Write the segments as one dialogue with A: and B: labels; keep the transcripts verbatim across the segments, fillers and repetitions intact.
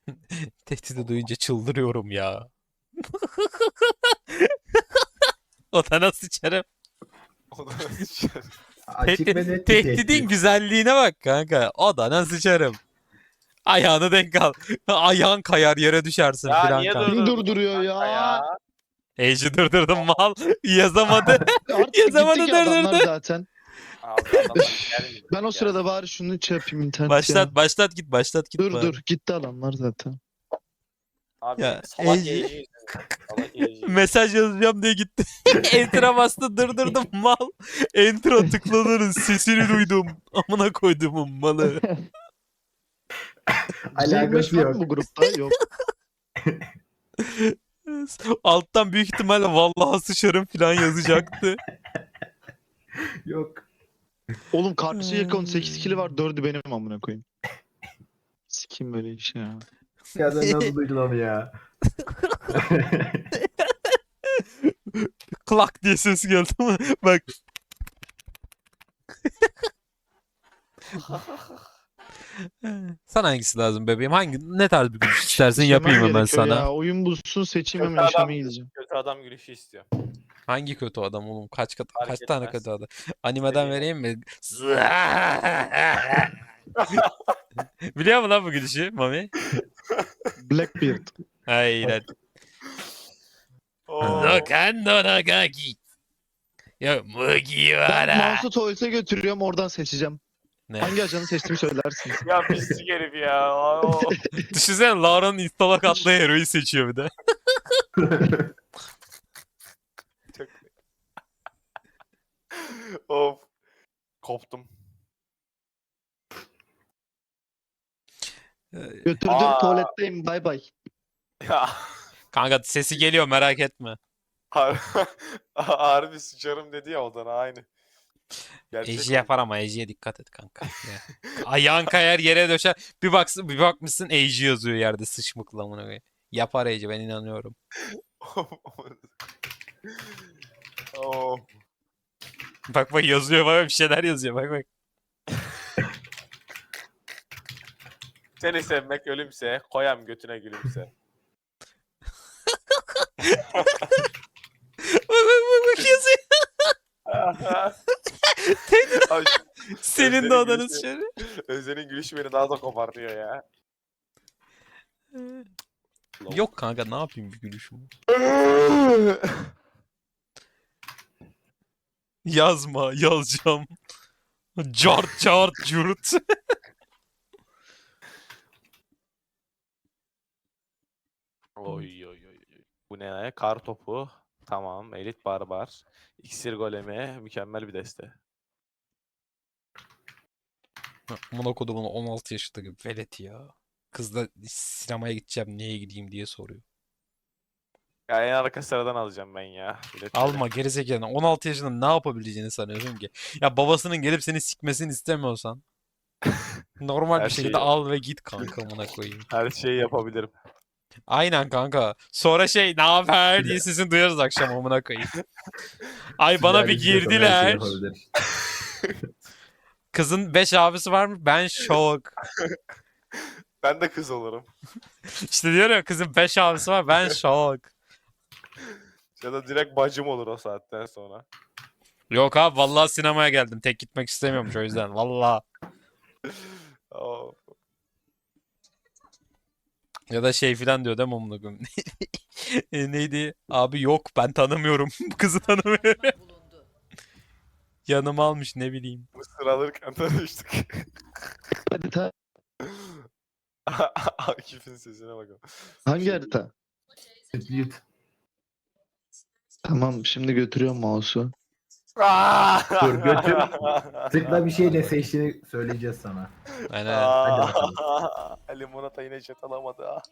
A: Tehdidi duyunca çıldırıyorum ya. Odana sıçarım.
B: O da sıçar.
C: Açık ve net bir
A: Tehdidin
C: tehdit.
A: güzelliğine bak kanka. Odana sıçarım. Ayağını denk al. Ayağın kayar yere düşersin
B: Ya
A: filan
B: niye
A: kanka.
D: Kim
B: durdurdun
D: durduruyor
B: kanka
D: ya?
A: Ej'i durdurdum mal. Yazamadı.
D: Artık
A: Yazamadı,
D: gitti ki adamlar
A: durdurdu.
D: zaten.
B: Abi adamlar gelmiyor
D: Ben o
B: ya.
D: sırada bari şunu şey yapayım internet
A: Başlat
D: ya.
A: başlat git başlat git
D: Dur
A: bari.
D: dur gitti adamlar zaten.
B: Abi
A: Ya,
B: salak
A: Ece-
B: Ece yüzünden. Salak Ece.
A: Mesaj yazacağım diye gitti. Enter'a bastı durdurdum mal. Enter'a tıklanırın sesini duydum. Amına koyduğumun malı.
C: Alakası
D: var
C: yok.
D: mı bu grupta? Yok.
A: Alttan büyük ihtimalle vallahi sıçarım falan yazacaktı.
C: Yok.
D: Oğlum kardeşi yakın on sekiz kili var. dördü benim amına koyayım. Sikim böyle iş ya.
C: Ya sen nasıl duydun onu ya?
A: Klak diye ses geldi ama bak. Sana hangisi lazım bebeğim? Hangi ne tarz bir gülüş istersin
D: İşlemem
A: yapayım hemen
D: gerekiyor
A: sana.
D: Ya. Oyun bulsun seçeyim
B: Kötü
D: hemen
B: adam,
D: işeme gideceğim.
B: kötü adam gülüşü istiyor.
A: Hangi kötü adam oğlum? Kaç kat,
B: Fark
A: kaç tane
B: etmez.
A: kötü adam? Animeden
B: Dediğin
A: vereyim mi? Biliyor musun lan bu gülüşü Mami?
D: Blackbeard.
A: Aynen.
B: Oo.
A: Dokando nagaki. Ya mugi
D: Ben
A: wara.
D: mouse'u tuvalete götürüyorum oradan seçeceğim.
A: Ne?
D: Hangi ajanı seçtiğimi söylersiniz.
B: Ya pislik herif ya. Oo.
A: Düşünsene Laura'nın instalak atlı hero'yu seçiyor bir de.
B: Çok... of. Koptum.
D: Götürdüm
B: Aa.
D: tuvaletteyim bay bay.
B: Ya.
A: Kanka sesi geliyor merak etme.
B: Har harbi sıçarım dedi ya odana aynı. Gerçek
A: Eji
B: oldu.
A: yapar ama Eji'ye dikkat et kanka. Ya. Ayağın kayar yere döşer. Bir baksın bir bakmışsın Eji yazıyor yerde sıçmıkla amına koyayım. Yapar Eji ben inanıyorum.
B: oh.
A: Bak bak yazıyor bak bir şeyler yazıyor bak bak.
B: Seni sevmek ölümse, koyam götüne gülümse.
A: Bak bak bak bak yazıyor.
B: Abi,
A: Senin de
B: Özlem'in
A: odanız
B: gülüşü-
A: şöyle.
B: Özden'in gülüşü beni daha da kopartıyor ya.
A: Yok kanka ne yapayım bir gülüşüm. Yazma yazacağım. Cart cart curt.
B: Oy oy oy. oy. Bu ne? Kar topu. Tamam. Elit barbar. İksir golemi. Mükemmel bir deste.
A: Amına kodumun on altı yaşındaki velet ya. Kızla sinemaya gideceğim niye gideyim diye soruyor.
B: Ya en arka sıradan alacağım ben ya. Biletleri.
A: Alma gerizekalı. on altı yaşında ne yapabileceğini sanıyorsun ki? Ya babasının gelip seni sikmesini istemiyorsan normal
B: Her
A: bir şekilde
B: şeyi-
A: al ve git kanka amına koyayım.
B: Her şeyi yapabilirim.
A: Aynen kanka. Sonra şey ne haber diye sesini duyarız akşam amına koyayım. Ay bana bir
C: Ticari istiyorsan her şeyi
A: girdiler.
C: yapabilir.
A: Kızın beş abisi var mı? Ben şok.
B: Ben de kız olurum.
A: İşte diyor ya kızın beş abisi var ben şok.
B: Ya da direkt bacım olur o saatten sonra.
A: Yok abi vallahi sinemaya geldim. Tek gitmek istemiyormuş o yüzden. Vallahi.
B: Oo.
A: Ya da şey filan diyor değil mi amına koyayım? E, Neydi? Abi yok ben tanımıyorum. Bu kızı tanımıyorum. Yanıma almış ne bileyim.
B: Mısır alırken tanıştık.
D: Harita.
B: Akif'in sesine bakalım.
D: Hangi harita?
C: Yut.
D: Tamam şimdi götürüyorum mouse'u.
C: Dur, götür. Tıkla bir şey ne seçtiğini söyleyeceğiz sana.
A: Aynen.
C: Hadi bakalım.
B: Limonata yine chat alamadı ha.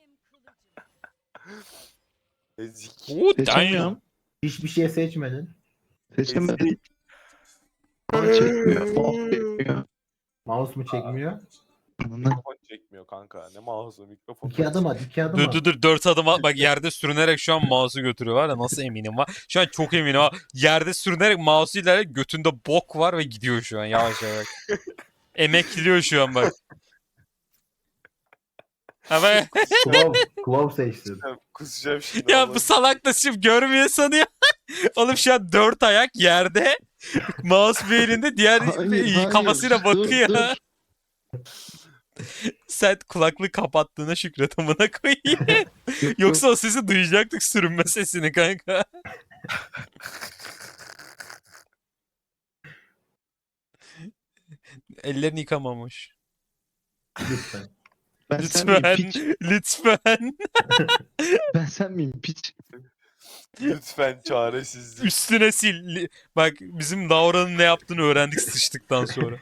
B: Ezik.
A: Oo, damn.
D: Seçemiyorum.
C: Hiçbir şey seçmedin.
D: Seçemedim. Ama çekmiyor. Oh, çekmiyor.
C: Mouse mu çekmiyor?
D: Anladın?
B: Mikrofon çekmiyor kanka. Ne mouse'u mikrofon.
C: İki adım at, iki adım
A: Dur
C: at.
A: dur dur dört adım at. Bak yerde sürünerek şu an mouse'u götürüyor var ya nasıl eminim var. Şu an çok eminim ha. Yerde sürünerek mouse'u ilerle götünde bok var ve gidiyor şu an yavaş yavaş. Emekliyor şu an bak. Ama
C: Klov, Klov seçtin.
B: Kusacağım şimdi.
A: ya
B: vallahi.
A: bu salak da şimdi görmüyor sanıyor. Oğlum şu an dört ayak yerde. Mouse bir elinde, diğer
D: Hayır, hayır.
A: kafasıyla
D: Dur,
A: bakıyor.
D: dur.
A: Sen kulaklığı kapattığına şükret amına koyayım.
D: Yok,
A: Yoksa o sesi duyacaktık, sürünme sesini kanka. Ellerini yıkamamış.
C: Lütfen.
D: Ben sen miyim
A: Lütfen,
D: piç?
A: lütfen.
D: Ben sen miyim piç?
B: Lütfen çaresizlik.
A: Üstüne sil. Li- Bak bizim Laura'nın ne yaptığını öğrendik sıçtıktan sonra.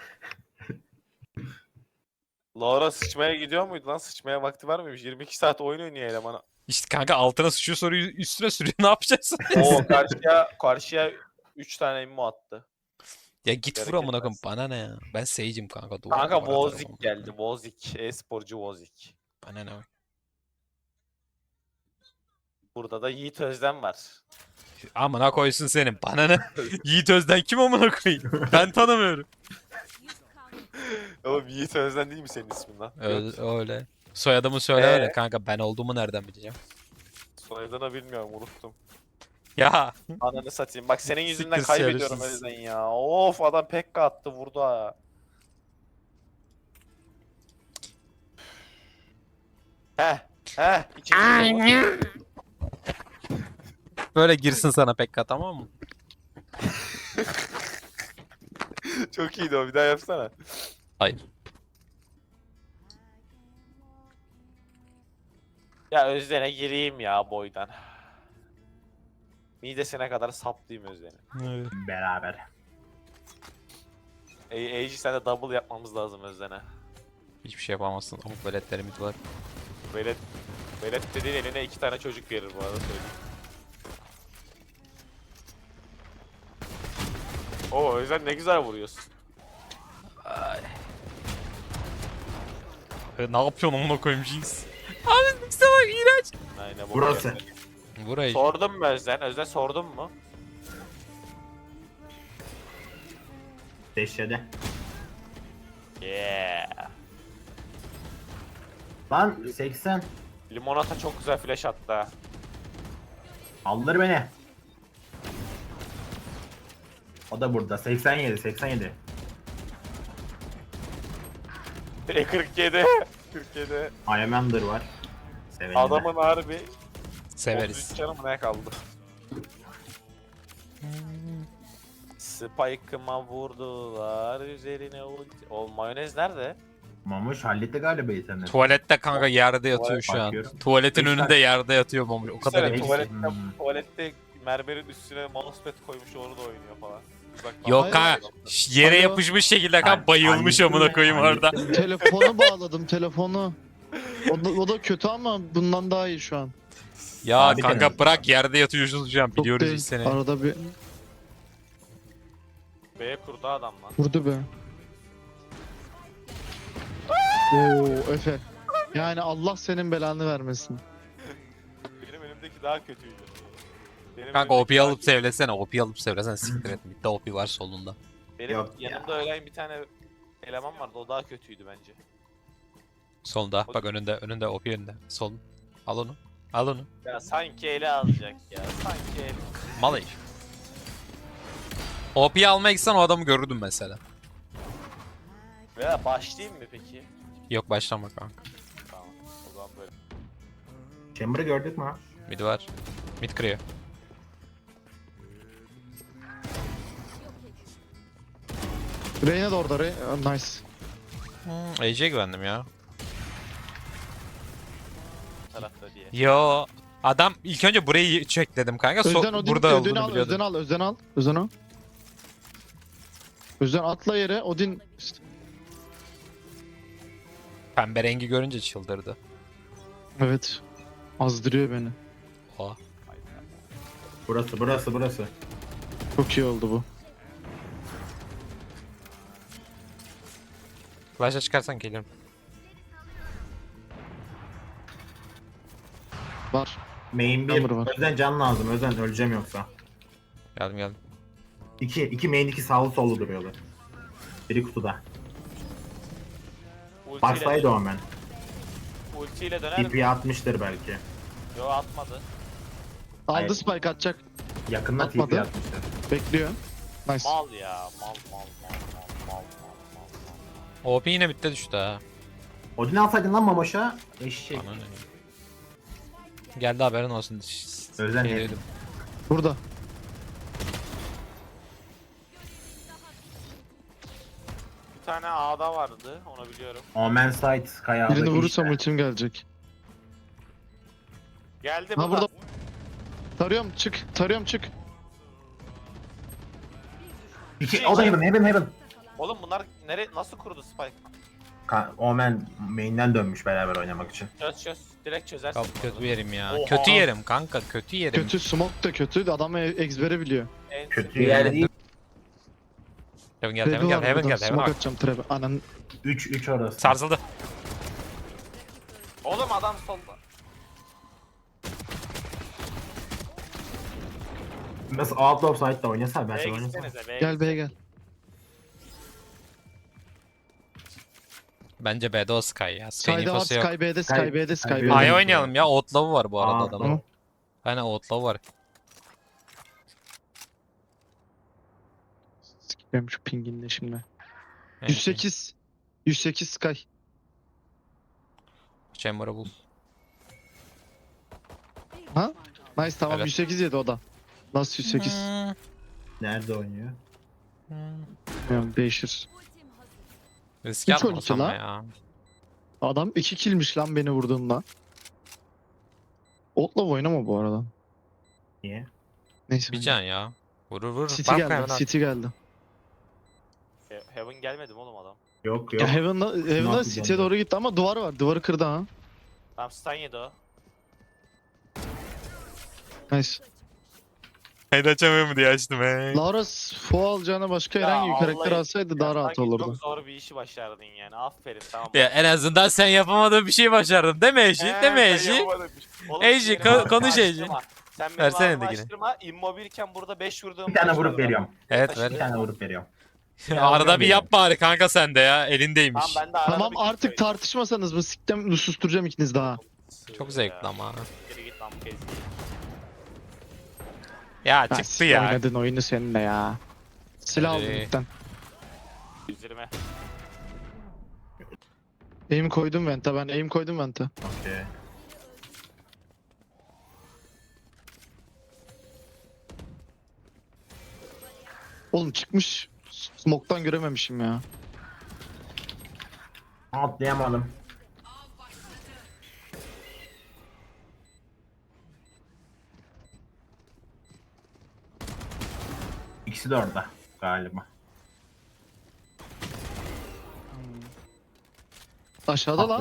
B: Laura sıçmaya gidiyor muydu lan? Sıçmaya vakti var mıymış? yirmi iki saat oyun oynuyor elemana.
A: İşte kanka altına sıçıyor, sonra ü- üstüne sürüyor, ne yapacaksın?
B: Oo karşıya karşıya üç tane immo attı.
A: Ya git vur
B: Gerek
A: amına koyayım,
B: etmez.
A: bana ne ya? Ben Sage'im kanka. Duvar,
B: Kanka
A: duvara atarım
B: Vozik
A: amına
B: geldi.
A: koyayım.
B: Vozik. E-sporcu Vozik.
A: Bana ne?
B: Burada da Yiğit Özden var.
A: Amına koysun senin. Bana ne? Yiğit Özden kim amına koyayım? Ben tanımıyorum.
B: Oğlum Yiğit Özden değil mi senin ismin lan?
A: Öyle. öyle. Soyadımı söyle öyle
B: Ee?
A: kanka. Ben olduğumu nereden bileceğim?
B: Soyadını bilmiyorum unuttum.
A: Ya.
B: Ananı satayım. Bak senin yüzünden
A: Siktir
B: kaybediyorum
A: şerefsiz.
B: Özden ya. Of adam Pekka attı vurdu ha. Heh. Heh. İkinci de bu.
A: Böyle girsin sana Pekka, tamam mı?
B: Çok iyiydi o bir daha yapsana.
A: Hayır.
B: Ya Özden'e gireyim ya boydan. Midesine kadar saplayayım Özden'i.
C: Beraber.
B: Ey Eji sen de double yapmamız lazım Özden'e.
A: Hiçbir şey yapamazsın. Amuk veletlerimiz var.
B: Velet, velet dediğin eline iki tane çocuk verir bu arada söyleyeyim. Oo Özden ne güzel vuruyorsun.
A: E, ne yapıyorsun amına koyayım Jinx? Abi bize bak, iğrenç.
B: Aynen bu.
C: Burası.
B: kadar.
A: Burayı.
B: Sordun mu Özden? Özden sordun mu?
C: Deşede.
B: Yeah.
C: Lan seksen.
B: Limonata çok güzel flash attı ha.
C: Aldır beni. O da burada. seksen yedi, seksen yedi.
B: E kırk yedi. kırk yedi.
C: Ayamander var. Sevenim.
B: Adamın harbi
A: Severiz.
B: otuz üç canı mı ne kaldı? Spike'ıma vurdular üzerine ulti. O mayonez nerede?
C: Mamuş halletti galiba itemleri.
A: Tuvalette kanka yerde yatıyor şu an.
C: Bakıyorum.
A: Tuvaletin
C: Üç
A: önünde
C: tane-
A: yerde yatıyor Mamuş. O kadar
B: Düşünsene,
A: emin.
B: tuvalette,
C: Hmm.
B: tuvalette mermerin üstüne mousepad koymuş orada oynuyor falan. Uzaktan
A: Yok
B: bakıyor.
A: kanka. ş- Yere
D: Alo.
A: yapışmış şekilde kanka
C: Hall-
A: bayılmış
C: hallettim
A: amına
C: ya,
A: koyayım orada.
C: hallettim.
D: Telefonu bağladım telefonu. O da, o da kötü ama bundan daha iyi şu an.
A: Ya
C: Abi
A: kanka
C: denedim.
A: bırak, yerde yatıyorsun şu an.
D: Çok
A: Biliyoruz
D: değil.
A: biz seni.
D: Arada bir
B: B'ye kurdu adam lan.
D: vurdu be. Oo Efe. Yani Allah senin belanı vermesin.
B: Benim önümdeki daha kötüydü. Benim
A: Kanka
B: önümdeki
A: O P'yi
B: daha
A: alıp
B: kötü.
A: sevlesene. O P'yi alıp sevlesene, siktir et. Midde O P var solunda.
B: Benim
C: Yok ya.
B: yanımda ölen bir tane eleman vardı o daha kötüydü bence.
A: Solda. Bak önünde. Önünde O P önünde. Sol. Al onu. Al onu.
B: Ya sanki ele alacak ya. Sanki ele.
A: Mal herif. O P'yi almaya gitsen o adamı görürdüm mesela.
B: Veya başlayayım mı peki?
A: Yok başlama kanka.
B: Tamam. O zaman böyle.
C: Chamber'ı gördük mü?
A: Mid var. Mid kırıyor.
D: Reyna da orada. Rey Aa, nice.
A: Hmm, A J'ye güvendim ya.
B: Bu tarafta diye.
A: Yo. Adam ilk önce burayı check dedim kanka. So-
D: Özden Odin,
A: burada
D: Özden
A: olduğunu
D: al,
A: biliyordum.
D: Özden al, Özden al, Özden al. Özden atla yere, Odin...
A: Pembe rengi görünce çıldırdı.
D: Evet. Azdırıyor beni.
A: Oha.
C: Burası, burası, burası.
D: Çok iyi oldu bu.
A: Flash'a çıkarsan gelirim.
D: Var.
C: Main bir.
D: Chamber var.
C: Özden can lazım. Özden öleceğim yoksa.
A: Geldim geldim.
C: İki, iki main iki sağlı sollu duruyorlar. Biri kutuda.
B: Ultiyle-
C: Baksaydı o hemen.
B: ultiyle döner mi?
C: T P atmıştır belki.
B: Yo atmadı.
C: Hayır.
D: Aldı spike atacak.
C: Yakında T P
D: Atmadı.
C: atmıştır.
D: Bekliyor. Nice.
B: Mal ya. Mal mal mal mal mal mal mal.
A: O P yine bitti düştü ha.
C: Odin alsaydın lan Mamoş'a. Eşek.
A: Bana ne? Geldi haberin olsun.
C: Özen
A: Şey
C: et.
A: diyordum.
D: Burada.
B: Bir tane A'da vardı. Onu biliyorum.
C: Omen Sight kayağındaki
D: Birini vurursam
C: işte.
D: ultim gelecek.
B: Geldi
D: Ha
B: burada.
D: burada. Tarıyorum çık. Tarıyorum çık.
C: İki, o da Heaven, Heaven, Heaven.
B: Oğlum bunlar nere nasıl kurdu Spike?
C: Ka- Omen main'den dönmüş beraber oynamak için.
B: Çöz çöz. Direkt çözersin.
A: Kap kötü yerim ya.
B: Oha.
A: Kötü yerim kanka, kötü yerim.
D: Kötü smoke da kötü. Adam e- ezbere biliyor.
B: En
C: Kötü
B: kötü.
C: yer değil.
A: Heaven geldi, Heaven
D: Trap'i
A: geldi,
D: var
A: Heaven
D: burada.
A: geldi, Heaven
D: Smoke
A: bak.
D: atacağım trap'e. Anan.
C: üç üç orası.
A: Sarsıldı.
B: Oğlum adam solda.
C: Nasıl Out of Sight'ta oynasa ben
B: B'ye
C: sana oynasam.
B: gitsenize B'ye
D: Gel B'ye gel.
A: Bence B'de o Sky ya. Sky'ın
D: Sky'de var.
A: infosu yok.
D: Sky B'de. Sky
C: Sky-
D: B'de.
C: Sky
D: Sky
C: B'de.
D: B'de.
A: A'ya oynayalım ya. Outlaw'u var bu arada
C: Aa,
A: adamın.
C: tamam.
A: Aynen Outlaw'u var.
D: Sikeyim şu pinginle şimdi.
A: Neyse.
D: yüz sekiz. yüz sekiz Sky.
A: Chamber'ı bul.
D: Nice tamam
A: Evet.
D: yüz sekiz yedi o da. Nasıl yüz sekiz?
A: Hmm.
C: Nerede oynuyor?
A: Hmm.
D: Bilmiyorum değişir.
A: Risk
D: Üç
A: atmasam
D: oyuncu
A: mı
D: lan.
A: ya?
D: Adam iki killmiş lan beni vurduğunda. Otla oynama bu arada.
C: Niye?
D: Neyse.
A: Bir can ya. Vurur vurur.
D: City
A: Bak
D: geldi.
A: Heaven at.
D: City geldi.
B: He- Heaven gelmedi mi oğlum adam?
C: Yok
D: Ya
C: yok.
D: Heaven'da, Heaven'da
C: yapacağım
D: City'ye
C: ben?
D: doğru gitti ama duvarı var. Duvarı kırdı ha.
B: Tamam stun yedi o.
D: Nice.
A: Haydi açamıyorum diye açtım he.
D: Laura Fo alacağına başka
B: Ya
D: herhangi bir karakter
B: Allah'ım,
D: alsaydı daha
B: Ya
D: rahat
B: sanki
D: olurdu.
B: Çok zor bir işi başardın yani. Aferin tamam.
A: Ya en azından sen yapamadığın bir şey başardın. Değil mi Eji?
B: Ee,
A: Değil mi
B: ben
A: Eji?
B: yapamadım. Oğlum,
A: Eji,
B: benim
A: ko-
B: ağzımı
A: konuş Eji.
B: açtırma. Sen benim
A: Versene
B: ağzımı
A: dikini.
B: açtırma. Immobilken burada beş vurduğum
C: Bir tane
B: maç
C: vurup
B: var.
C: veriyorum.
A: Evet ver.
C: Bir tane vurup veriyorum.
A: Arada bir
C: Ya.
A: yap bari kanka sen de ya. Elindeymiş.
B: Tamam ben de arada
D: Tamam
B: bir kill
D: artık
B: koyayım.
D: tartışmasanız mı siktem susturacağım ikiniz daha.
A: Çok zevkli ama.
B: Geri git lan bu kez.
A: Ya
D: Ya,
A: çıktı
D: siktir
A: ya.
D: Oynadın oyunu seninle ya. Silah aldım
A: Hadi.
D: ilkten.
B: yüz yirmi.
D: Aim koydum vente ben aim koydum vente.
C: Okey.
D: Oğlum çıkmış. Smoke'tan görememişim ya.
C: Atlayamadım. İkisi de orada galiba.
D: Aşağıda lan.